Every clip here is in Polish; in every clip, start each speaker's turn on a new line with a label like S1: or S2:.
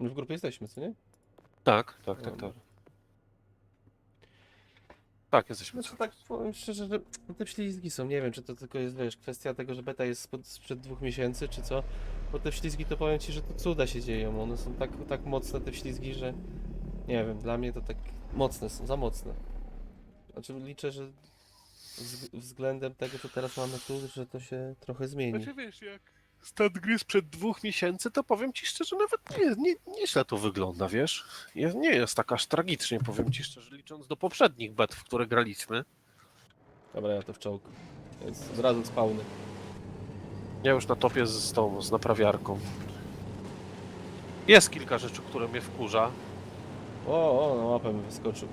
S1: My w grupie jesteśmy, co nie?
S2: Tak. Tak, jesteśmy.
S1: Znaczy tak, powiem szczerze, że te ślizgi są, nie wiem, czy to tylko jest, wiesz, kwestia tego, że beta jest sprzed 2 miesięcy, czy co, bo te ślizgi to powiem ci, że to cuda się dzieją, one są tak mocne, te ślizgi, że nie wiem, dla mnie to tak mocne są, za mocne. Znaczy liczę, że względem tego, co teraz mamy tu, że to się trochę zmieni.
S2: Znaczy wiesz, jak stan gry sprzed 2 miesięcy, to powiem ci szczerze, nawet nieźle to wygląda, wiesz? Nie jest tak aż tragicznie, powiem ci szczerze, licząc do poprzednich bet, w które graliśmy.
S1: Dobra, ja to w czołg, więc od razu spawny.
S2: Ja już na topie z naprawiarką. Jest kilka rzeczy, które mnie wkurza.
S1: O, na łapę mi wyskoczył.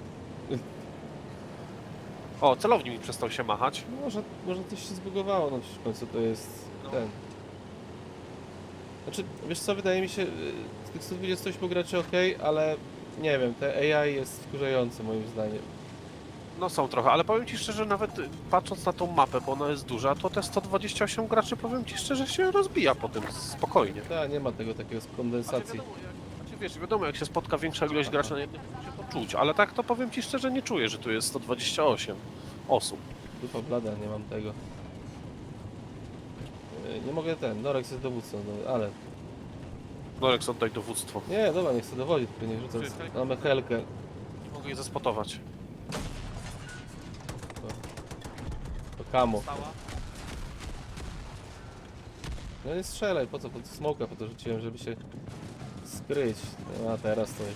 S2: O, celownik mi przestał się machać.
S1: No, może coś się zbugowało, no w końcu to jest ten. Znaczy, wiesz co, wydaje mi się, z tych 128 graczy ok, ale nie wiem, te AI jest wkurzające moim zdaniem.
S2: No są trochę, ale powiem ci szczerze, nawet patrząc na tą mapę, bo ona jest duża, to te 128 graczy, powiem ci szczerze, się rozbija po tym spokojnie.
S1: Tak, nie ma tego takiego kondensacji.
S2: Wiesz, wiadomo, jak się spotka większa ilość graczy na jednym punkcie, to czuć, ale tak to powiem ci szczerze, nie czuję, że tu jest 128 osób.
S1: Dupa blada, nie mam tego. Nie mogę Norex jest dowódcą, no, ale...
S2: Norex, oddaj dowództwo.
S1: Nie, dobra, nie chcę dowodzić, tylko nie rzucę. Mamy helkę.
S2: Nie mogę jej zaspotować.
S1: To kamo. No nie strzelaj, po co? Po smoka po to rzuciłem, żeby się skryć. No, a teraz to już...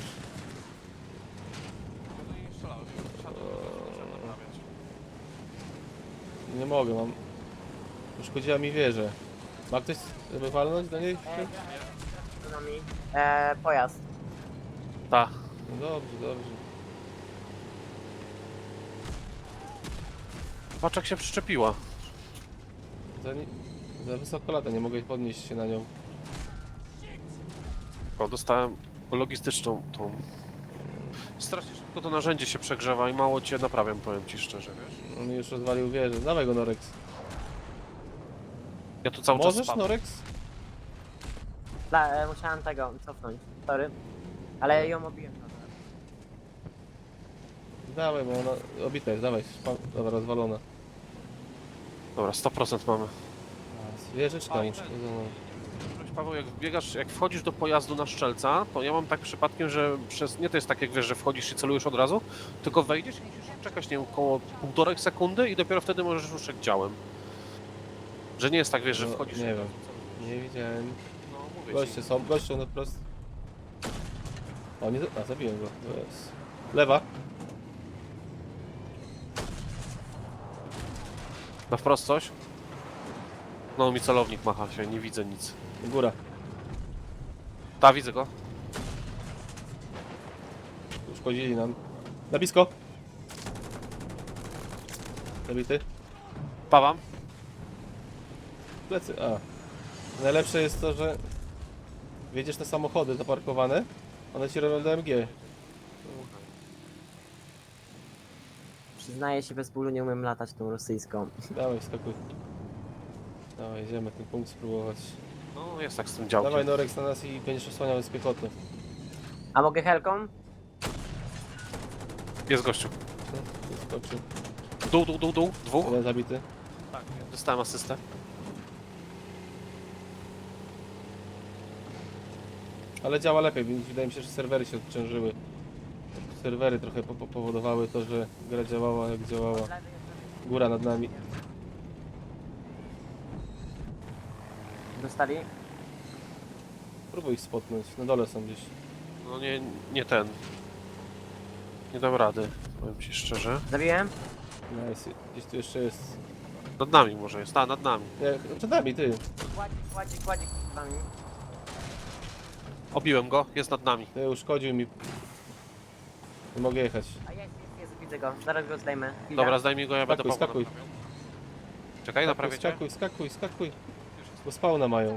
S1: Nie mogę, mam... Uszkodziła mi wieżę. Ma ktoś, żeby walnąć do niej?
S3: Z nami. Pojazd.
S2: Ta.
S1: No dobrze, dobrze.
S2: Patrz jak się przyczepiła.
S1: Za wysoko lata, nie mogę podnieść się na nią.
S2: O, dostałem logistyczną tą... Strasznie szybko to narzędzie się przegrzewa i mało cię naprawiam, powiem ci szczerze, wiesz?
S1: On mi już rozwalił wieżę. Dawaj go, Norex.
S2: Ja tu cały czas
S1: Możesz,
S2: spadam.
S1: Norex?
S3: Musiałem tego cofnąć. Sorry. Ale ją obiłem.
S1: Dawaj, bo ona obita jest, dawaj. Dobra, rozwalona.
S2: Dobra, 100% mamy.
S1: Wieżyczka
S2: Fajne.
S1: uszkodzona.
S2: Paweł, jak wchodzisz do pojazdu na szczelca, to ja mam tak przypadkiem, że nie to jest tak jak wiesz, że wchodzisz i celujesz od razu, tylko wejdziesz i musisz czekać, nie wiem, około 1,5 sekundy i dopiero wtedy możesz ruszać działem. Że nie jest tak, wiesz, że
S1: No,
S2: wchodzisz...
S1: nie wiem. Nie widziałem.
S2: No, mówię ci.
S1: Goście na prost. O, nie, zabiłem go. To jest. Lewa.
S2: Na wprost coś? No, mi celownik macha się, nie widzę nic.
S1: Góra.
S2: Ta, widzę go.
S1: Uszkodzili nam. Na blisko. Zabity.
S2: Pawam.
S1: Plecy. A. Najlepsze jest to, że wjedziesz te samochody zaparkowane, one ci robią DMG.
S3: Przyznaję się, bez bólu nie umiem latać tą rosyjską.
S1: Dawaj, skakuj. Dawaj, idziemy ten punkt spróbować.
S2: No, jest tak z tym działkiem.
S1: Dawaj Norex na nas i będziesz osłaniał z piechoty.
S3: A mogę helką?
S2: Jest gościu.
S1: Skoczył.
S2: Dół. Dwóch.
S1: Jeden zabity.
S2: Tak, dostałem asystę.
S1: Ale działa lepiej, więc wydaje mi się, że serwery się odciążyły. Serwery trochę powodowały to, że gra działała jak działała. Góra nad nami.
S3: Dostali?
S1: Próbuj ich spotnąć, na dole są gdzieś.
S2: No nie ten. Nie dam rady, powiem ci szczerze.
S3: Zabiłem?
S1: Nice, gdzieś tu jeszcze jest.
S2: Nad nami może jest, nad nami.
S1: Nie, przed nami, ty.
S3: Kładzik z wami.
S2: Obiłem go, jest nad nami.
S1: Ty uszkodził mi. Nie mogę jechać.
S3: A jest, widzę go. Zaraz go zdejmę. Chwila.
S2: Dobra, zdaj mi go, ja będę
S1: Skakuj,
S2: Pawła
S1: skakuj.
S2: naprawiał. Czekaj, naprawię cię.
S1: Skakuj. Bo spawna mają.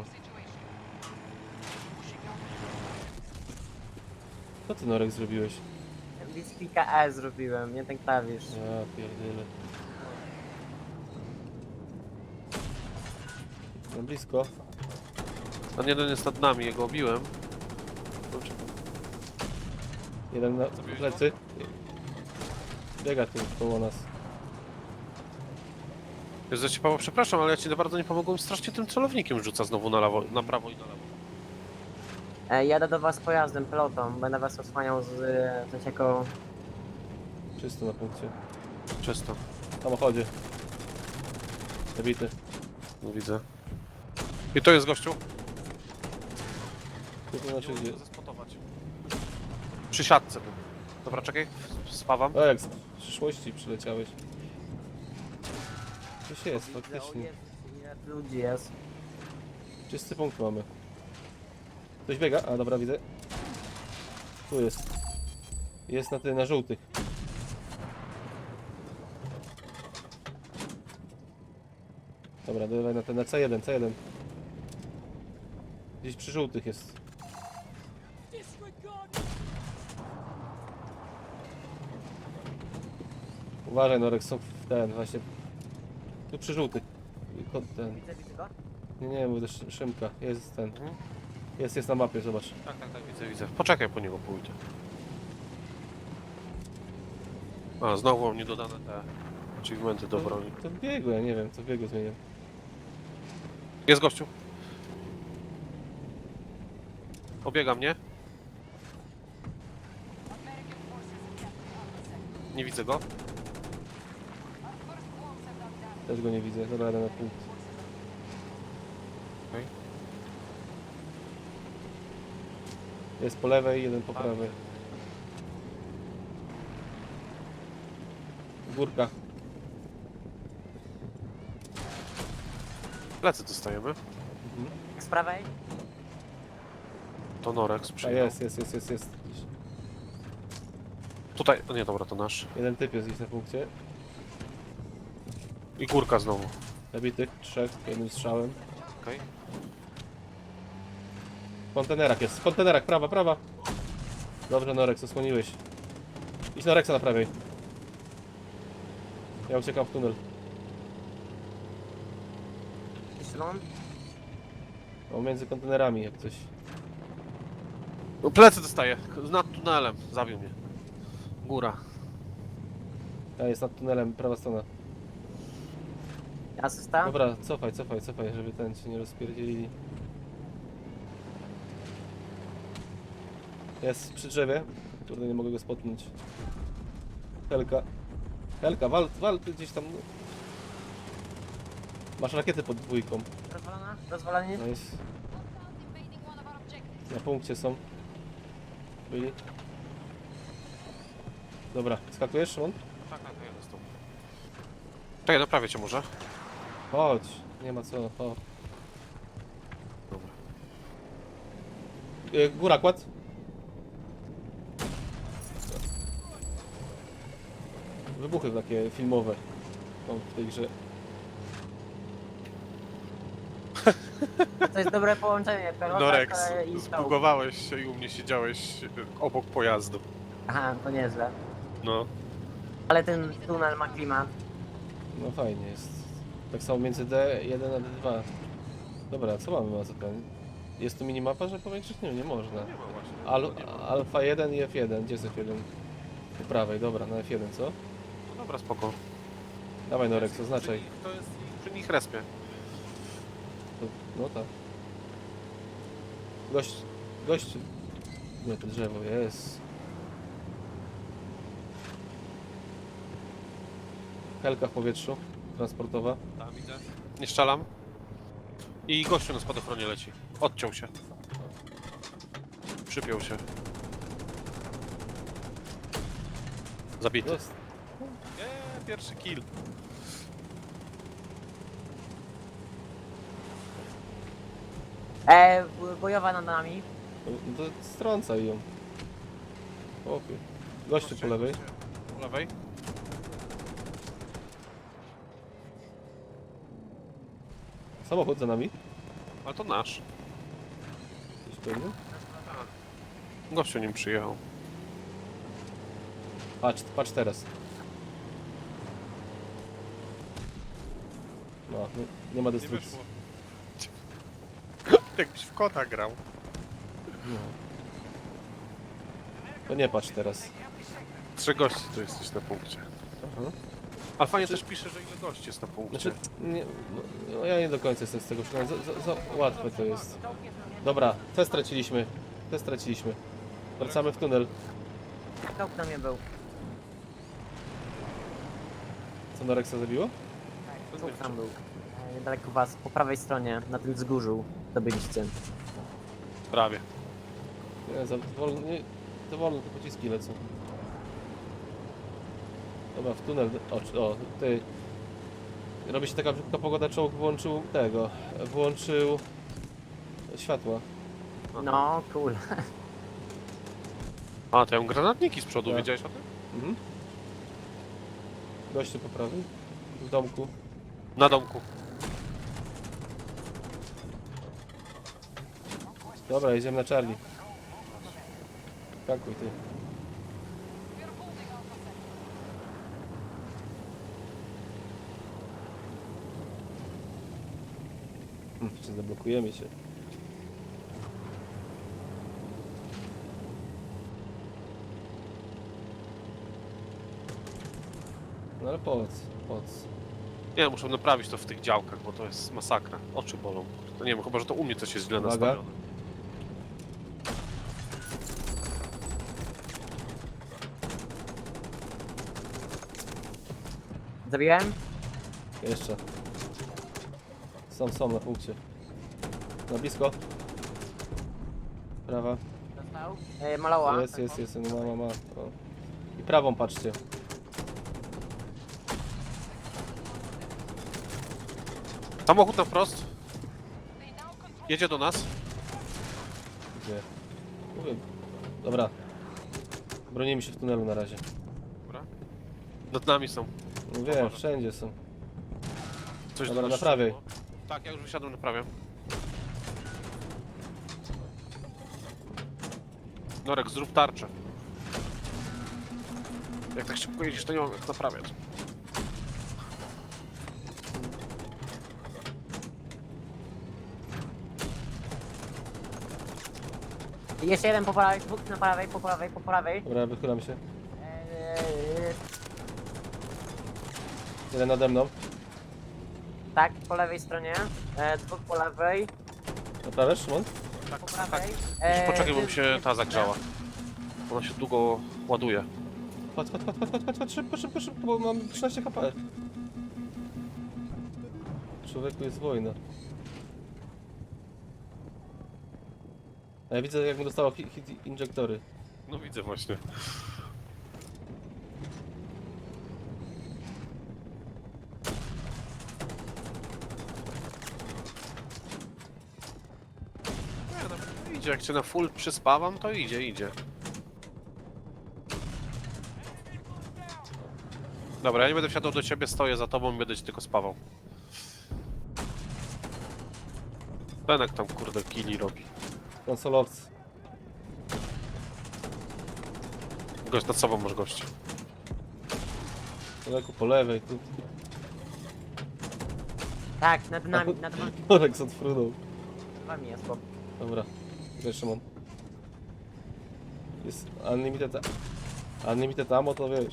S1: Co ty, Norek, zrobiłeś?
S3: Blitzpika E zrobiłem, nie ten klawisz.
S1: Ja pierdolę. Na blisko.
S2: Ten jeden jest nad nami, jego obiłem.
S1: Jeden na
S2: Zabiłeś
S1: plecy. Biega tu koło nas.
S2: Jezu, ci Paweł, przepraszam, ale ja ci bardzo nie pomogłem. Strasznie tym celownikiem rzuca znowu na lewo, na prawo i na lewo.
S3: Jadę do was pojazdem, pelotą. Będę was osłaniał z coś jako...
S1: Czysto na punkcie.
S2: Czysto.
S1: W samochodzie. Zabity.
S2: No widzę. I to jest gościu.
S1: Tu to znaczy gdzie?
S2: Zaspotować. Przy siatce był. Dobra, czekaj. Spawam.
S1: O, jak z przyszłości przyleciałeś. Gdzieś jest,
S3: O
S1: faktycznie.
S3: Jezus, ile tu ludzi jest.
S1: Czysty punkt mamy. Ktoś biega? A, dobra, widzę. Tu jest. Jest na żółtych. Dobra, dawaj na ten, na C1, C1. Gdzieś przy żółtych jest. Uważaj, Norek, są w ten, właśnie. Tu przy żółtych. Ten.
S3: Widzę go?
S1: Nie, mówię, Szymka. Jest ten.
S2: Mhm.
S1: Jest na mapie, zobacz.
S2: Tak, widzę. Poczekaj, po niego pójdę. A, znowu mam niedodane te achievementy do broni.
S1: To w biegu, ja nie wiem, co w biegu zmienię.
S2: Jest gościu. Obiega mnie. Nie widzę go.
S1: Też go nie widzę, dobra, jadę na punkt.
S2: Okej.
S1: Jest po lewej, jeden po prawej. Górka.
S2: Plecy dostajemy.
S3: Z prawej?
S2: To Norek
S1: A
S2: sprzyjał.
S1: jest.
S2: Tutaj, no nie, dobra, to nasz.
S1: Jeden typ jest gdzieś na punkcie.
S2: I górka znowu.
S1: Zabitych, 3, jednym strzałem.
S2: Okej.
S1: W kontenerach jest, w kontenerach, prawa. Dobrze, Norek, osłoniłeś. Idź na Rexa na prawej. Ja uciekam w tunel.
S3: Szymon?
S1: O, między kontenerami jak coś.
S2: No, plecy dostaję. Nad tunelem. Zabił mnie. Góra.
S1: A, jest nad tunelem, prawa strona.
S3: Asysta?
S1: Dobra, cofaj, żeby ten się nie rozpierdzielili. Jest przy drzewie. Kurde, nie mogę go spotnąć. Helka, wal ty gdzieś tam. Masz rakiety pod dwójką.
S3: Rozwalona? Rozwalanie?
S1: No jest. Na punkcie są. Byli. Dobra, skakujesz, Szymon?
S2: Tak, ja dostał. Czekaj, naprawię cię może.
S1: Chodź, nie ma co, o.
S2: Dobra.
S1: Góra, kład. Wybuchy takie filmowe są w tej grze.
S3: To jest dobre połączenie. Pelota
S2: Norek,
S3: i skał.
S2: zbugowałeś się i u mnie siedziałeś obok pojazdu.
S3: Aha, to nieźle.
S2: No.
S3: Ale ten tunel ma klimat.
S1: No fajnie jest. Tak samo między D1 a D2. Dobra, co mamy za ten? Jest tu minimapa, że powiększyć? Nie, nie można.
S2: Nie ma właśnie.
S1: Alfa 1 i F1. Gdzie jest F1? Po prawej, dobra, na F1, co?
S2: No dobra, spoko.
S1: Dawaj Norek, oznaczaj.
S2: To jest przy nich respie.
S1: No tak. Gość. Nie, to drzewo jest. Helka w powietrzu, transportowa.
S2: Tam widzę. Nie strzelam. I gościu na spadochronie leci. Odciął się. Przypiął się. Zabity.
S1: Jest.
S2: Pierwszy kill.
S3: Bojowa nad nami.
S1: No to strącaj ją. Chłopie. Gościu po lewej.
S2: Po lewej.
S1: Samochód za nami.
S2: Ale to nasz.
S1: Gdzieś pewnie.
S2: Gościu nim przyjechał.
S1: Patrz teraz. No, nie ma
S2: Nie
S1: destrukcji.
S2: wyszło. Jakbyś w kota grał.
S1: No. To nie patrz teraz.
S2: 3 gości tu jesteś na punkcie.
S1: Aha.
S2: Ale fajnie też pisze, że ile gości jest na punkcie.
S1: Znaczy, nie, no, ja nie do końca jestem z tego przekonany. Za łatwe to jest. Dobra, te straciliśmy. Te straciliśmy. Wracamy w tunel.
S3: Czołg na mnie był.
S1: Co Norexa zabiło?
S3: Czołg tam był. Niedaleko was, po prawej stronie, na tym wzgórzu zdobyliście.
S2: Prawie.
S1: Nie, za wolno te pociski lecą. Dobra, w tunel. O, ty. Robi się taka brzydka pogoda, czołg włączył tego. Włączył światła.
S3: No, cool.
S2: A, to ja mam granatniki z przodu,
S1: Tak.
S2: wiedziałeś o tym?
S1: Mhm. Goście po prawej. W domku.
S2: Na domku.
S1: Dobra, jedziemy na Charlie. Skakuj ty. Czy zablokujemy się? No ale po co? Po co?
S2: Nie, muszę naprawić to w tych działkach, bo to jest masakra. Oczy bolą. To nie wiem, chyba że to u mnie coś jest źle
S1: Uwaga.
S2: nastawione.
S3: Zabiłem?
S1: Jeszcze. Są na punkcie. Na blisko. Prawa.
S3: Dostał? Maloła.
S1: Jest. No, ma. O. I prawą patrzcie.
S2: Samochód na wprost. Jedzie do nas.
S1: Gdzie? Mówię. Dobra. Bronimy się w tunelu na razie.
S2: Dobra. Nad nami są.
S1: No wiem, wszędzie są.
S2: Coś
S1: Dobra,
S2: do nas
S1: na prawej.
S2: strzeliło. Tak, ja już wysiadłem na prawie. Norek, zrób tarczę. Jak tak szybko jedziesz, to nie mam jak naprawiać.
S3: Jeszcze jeden po prawej, dwóch na prawej, po prawej.
S1: Dobra, wychylam się.
S3: Eee,
S1: Jeden nade mną.
S3: tak, po lewej stronie. Dwóch po lewej,
S1: Naprawiasz, Szymon?
S2: Tak,
S3: po prawej.
S2: Poczekaj, bo mi
S3: ty-
S2: się ta zagrzała. Ona się długo ładuje.
S1: Patrz, szybko, bo mam 13 HP. Człowieku, jest wojna. A ja widzę, jak mu dostało hit injektory.
S2: No widzę właśnie. Nie, no, idzie, jak cię na full przyspawam, to idzie. Dobra, ja nie będę wsiadał do ciebie, stoję za tobą i będę cię tylko spawał. Benek tam kurde killi robi.
S1: Konsolowcy.
S2: Gość nad sobą masz gości.
S1: Człowieku, po lewej, tu.
S3: Tak, nad nami,
S1: Norek odfrunął.
S3: nad wami jest, bo
S1: Dobra, wiesz, Szymon. Jest unlimited ammo, to wiesz.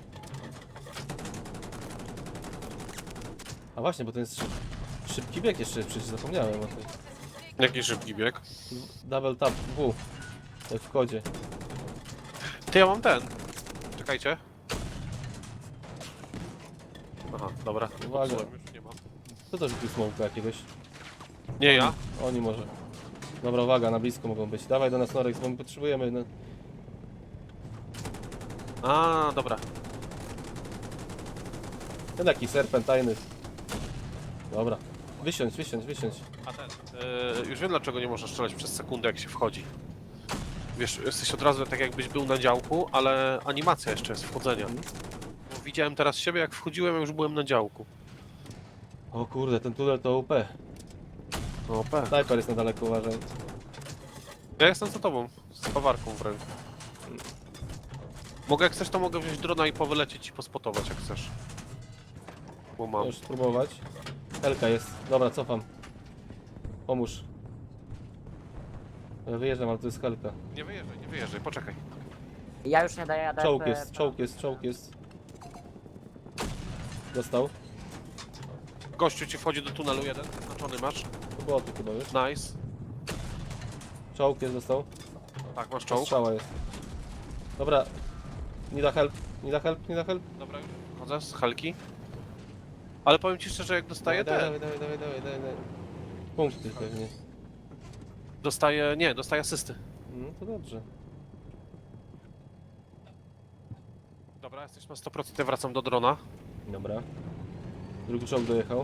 S1: A właśnie, bo to jest szybki bieg jeszcze, przecież zapomniałem o tym.
S2: Jaki szybki bieg.
S1: Double tap W. Jak w kodzie.
S2: Ty, ja mam ten. Czekajcie. Aha, dobra.
S1: Uwaga.
S2: Popsułem, już nie mam.
S1: Kto to rzucił smoka jakiegoś?
S2: Nie ja.
S1: Oni może. Dobra, uwaga, na blisko mogą być. Dawaj do nas, Norek, bo my potrzebujemy. No.
S2: A, dobra.
S1: Ten taki serpentajny. Dobra. Wysiądź.
S2: A ten. Już wiem dlaczego nie można strzelać przez sekundę jak się wchodzi. Wiesz, jesteś od razu tak jakbyś był na działku, ale animacja jeszcze jest wchodzenia. Bo widziałem teraz siebie jak wchodziłem, ja już byłem na działku.
S1: O kurde, ten tunel to UP.
S2: No pewnie.
S1: Snajper jest na daleko, uważaj.
S2: Ja jestem za tobą, z pawarką w ręku. Mogę jak chcesz, to mogę wziąć drona i powylecieć i pospotować jak chcesz. Bo mam.
S1: Możesz spróbować. Helka jest. Dobra, cofam. Pomóż. Ja wyjeżdżam, ale to jest helka.
S2: Nie wyjeżdżaj, poczekaj.
S3: Ja już nie daję, ja daję...
S1: Czołg jest, czołg jest, czołg jest. Dostał.
S2: Gościu ci wchodzi do tunelu jeden, zaznaczony masz.
S1: To było tu chyba, wiesz?
S2: Nice.
S1: Czołg jest, dostał.
S2: Tak, masz czołg.
S1: Strzała jest. Dobra. Nie da help, nie da help, nie da help.
S2: Dobra, już chodzę z helki. Ale powiem ci szczerze, jak dostaję
S1: Dawaj, dawaj, dawaj. Punkty pewnie.
S2: dostaję asysty.
S1: No to dobrze.
S2: Dobra, jesteś na 100%, ja wracam do drona.
S1: Dobra. Drugi czołg dojechał.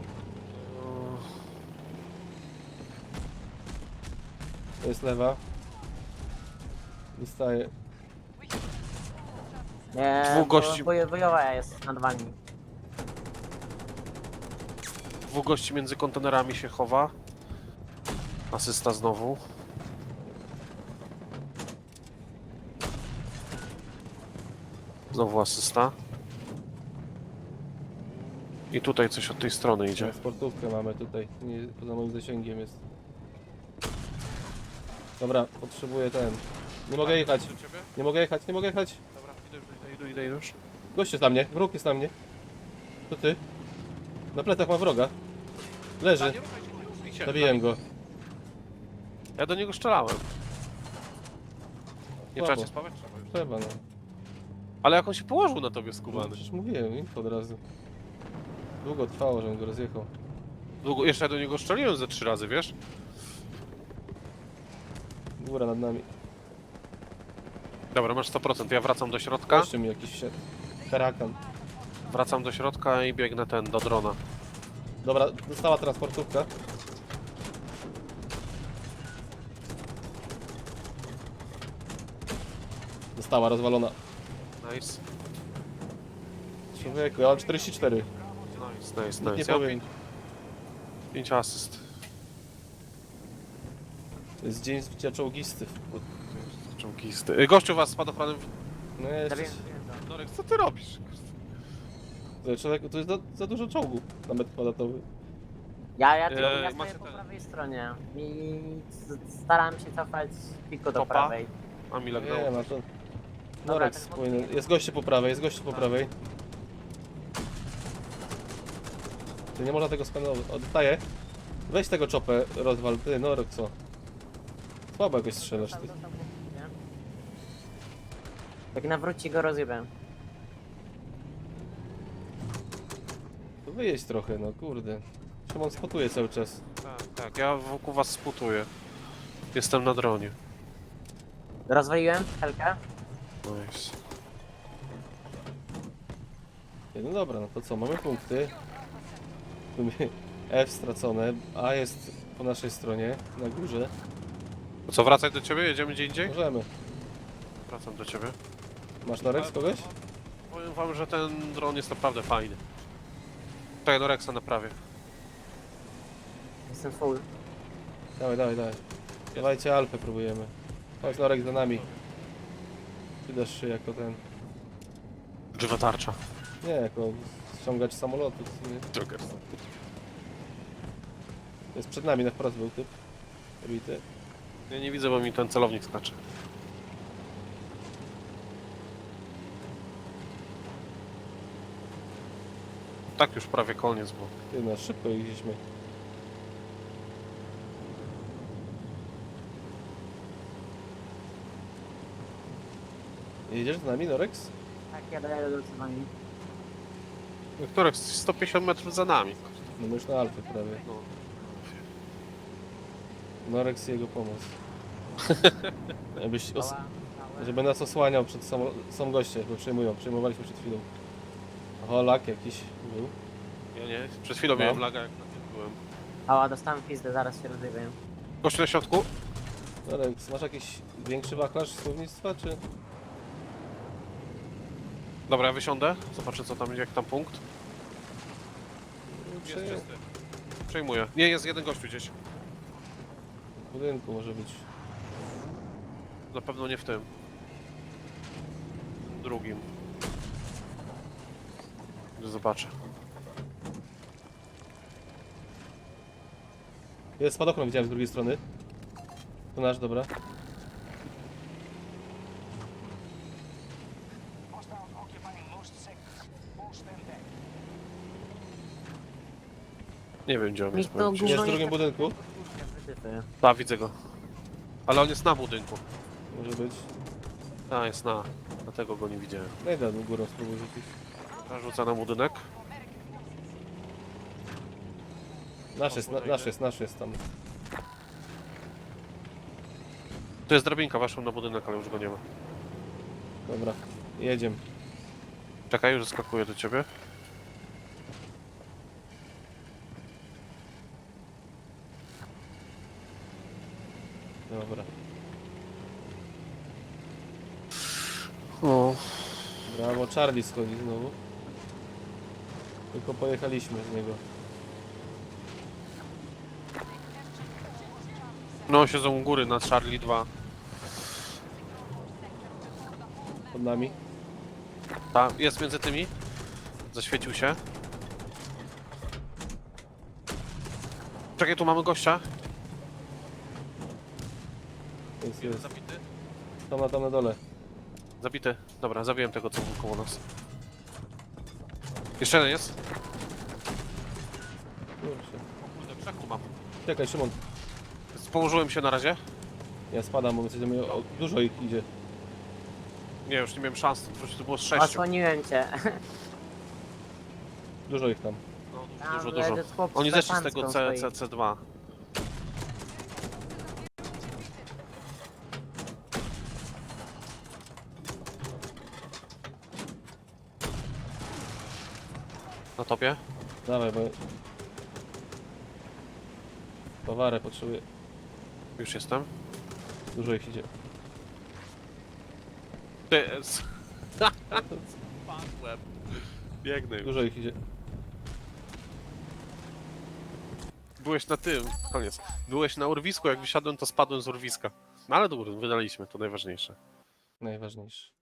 S1: To jest lewa. Dostaje.
S2: Dwóch gości.
S3: Wojowa jest nad wami.
S2: Dwóch gości między kontenerami się chowa. Asysta znowu. Znowu asysta. I tutaj coś od tej strony idzie.
S1: Sportówkę mamy tutaj. Nie, poza moim zasięgiem jest. Dobra, potrzebuję ten. Nie mogę jechać.
S2: Do ciebie?
S1: Nie mogę jechać, nie mogę jechać.
S2: Dobra, idę już.
S1: Gość jest na mnie, wróg jest na mnie. To ty. Na plecach ma wroga. Leży.
S2: Nie ruszaj się, nie ruszaj się.
S1: Zabiłem go.
S2: Ja do niego strzelałem. Nie
S1: Słabo.
S2: trzeba cię spawać? Trzeba już.
S1: Trzeba no.
S2: Ale jak on się położył na tobie
S1: No
S2: skubany.
S1: przecież mówiłem, info od razu. Długo trwało, żebym go rozjechał.
S2: Długo, jeszcze ja do niego strzeliłem ze 3 razy, wiesz?
S1: Góra nad nami.
S2: Dobra, masz 100%, ja wracam do środka.
S1: Jeszcze mi jakiś wsiadł. Hurakan.
S2: Wracam do środka i biegnę do drona.
S1: Dobra, dostała transportówka. Została rozwalona.
S2: Nice.
S1: Człowieku, ja mam 44.
S2: Nice,
S1: Nic nie
S2: nice. Ja mam
S1: powiem.
S2: 5 asyst.
S1: To jest dzień zbicia czołgisty.
S2: Czołgisty. Gościu was spadochronem.
S1: No ja jeszcze...
S3: Zabiłem go.
S2: Norek, co ty robisz?
S1: Człowieku, to jest za dużo czołgu na metr kwadratowy.
S3: Ja
S2: macie
S3: stoję po
S2: ten-
S3: prawej stronie i staram się cofać tylko do
S2: Topa?
S3: prawej.
S2: A mi
S1: Nie
S2: lagnało.
S1: ma to... Norek
S3: ten
S1: powinien... Jest goście po prawej, jest goście po prawej. Ty nie można tego skanować. Oddaję. Weź tego czopę, rozwal. Ty, Norek, co? Słabo jakoś strzelasz, ty.
S3: Jak nawróci go rozjebę.
S1: To wyjeźdź trochę, no kurde. Szymon spotuje cały czas.
S2: Tak, ja wokół was sputuję. Jestem na dronie.
S3: Rozwaliłem helkę.
S2: Nice.
S1: No dobra, no to co, mamy punkty. Tu F stracone, A jest po naszej stronie, na górze.
S2: To co, wracać do ciebie? Jedziemy gdzie indziej?
S1: Możemy.
S2: Wracam do ciebie.
S1: Masz Norek z kogoś?
S2: Powiem wam, że ten dron jest naprawdę fajny. Czekaj, Noreksa naprawię.
S3: Jestem full.
S1: Dawaj, dawaj, dawaj. Dawajcie Alfę próbujemy. Chodź Norek za nami. Ty dasz się jako ten...
S2: Żywa tarcza.
S1: Nie, jako ściągacz samolotu. Nie?
S2: Joker.
S1: Jest przed nami, na wprost był typ. Bity.
S2: Ja nie widzę, bo mi ten celownik skacze. Tak już prawie koniec, bo...
S1: Ty, no szybko jeździliśmy. Jedziesz z nami, Norex?
S3: Tak, ja daję do wami.
S2: Niektórych 150 metrów za nami.
S1: No my już na Alfę prawie.
S2: No.
S1: Norex i jego pomoc. Jakbyś
S3: Mała, małe.
S1: żeby nas osłaniał przed są goście, bo przejmowaliśmy przed chwilą. Oho, lak jakiś był.
S2: Ja nie, przed chwilą
S1: No.
S2: miałem laga, jak na tym byłem.
S3: Mała, dostałem pizdę, zaraz się rozjebę.
S2: Gościu na środku?
S1: Norex, masz jakiś większy wachlarz słownictwa, czy?
S2: Dobra, ja wysiądę. Zobaczę co tam, jak tam punkt.
S1: Czy
S2: Jest czysty. Przejmuję. Nie, jest jeden gościu gdzieś.
S1: w budynku może być.
S2: Na pewno nie w tym. Drugim. Zobaczę.
S1: Jest spadochron, widziałem z drugiej strony. To nasz, dobra.
S2: Nie wiem, gdzie on
S3: Mi
S2: jest.
S3: to
S2: powiem ci.
S3: gówno
S1: Jest w
S3: nie
S1: drugim budynku?
S3: Wytyfy.
S2: Tak, widzę go. Ale on jest na budynku.
S1: Może być.
S2: A, jest na. Dlatego go nie widziałem.
S1: No i dam górą spróbuj rzucić.
S2: Rzucę na budynek.
S1: Nasz jest tam.
S2: Tu jest drabinka, weszłem na budynek, ale już go nie ma.
S1: Dobra, jedziemy.
S2: Czekaj, już zaskakuję do ciebie.
S1: Dobra.
S2: O.
S1: Brawo, Charlie schodzi znowu. Tylko pojechaliśmy z niego.
S2: No, siedzą u góry na Charlie 2.
S1: Pod nami.
S2: Tak, jest między tymi. Zaświecił się. Czekaj, tu mamy gościa.
S1: Jest.
S2: Zabity.
S1: Tam na dole.
S2: Zabity. Dobra, zabiłem tego, co był koło nas. Jeszcze jeden jest.
S1: Kurczę.
S2: Kurde, trzech tu mam.
S1: Czekaj, Szymon.
S2: Położyłem się na razie.
S1: Ja spadam, bo my chcemy... Dużo ich idzie.
S2: Nie, już nie miałem szans. To było z 6.
S3: Osłoniłem cię.
S1: Dużo ich tam.
S2: No,
S3: Tam
S2: dużo.
S3: leży chłop
S2: Oni zeszli z
S3: pancką
S2: tego
S3: stoi.
S2: C2. Na topie?
S1: Dawaj, bo... Towarę potrzebuję.
S2: Już jestem.
S1: Dużo ich idzie.
S2: Ty... Spadłem. Biegnę już.
S1: Dużo ich idzie.
S2: Byłeś na tym, koniec. Byłeś na urwisku, jak wysiadłem, to spadłem z urwiska. No ale dobra, wydaliśmy, to najważniejsze.
S1: Najważniejsze.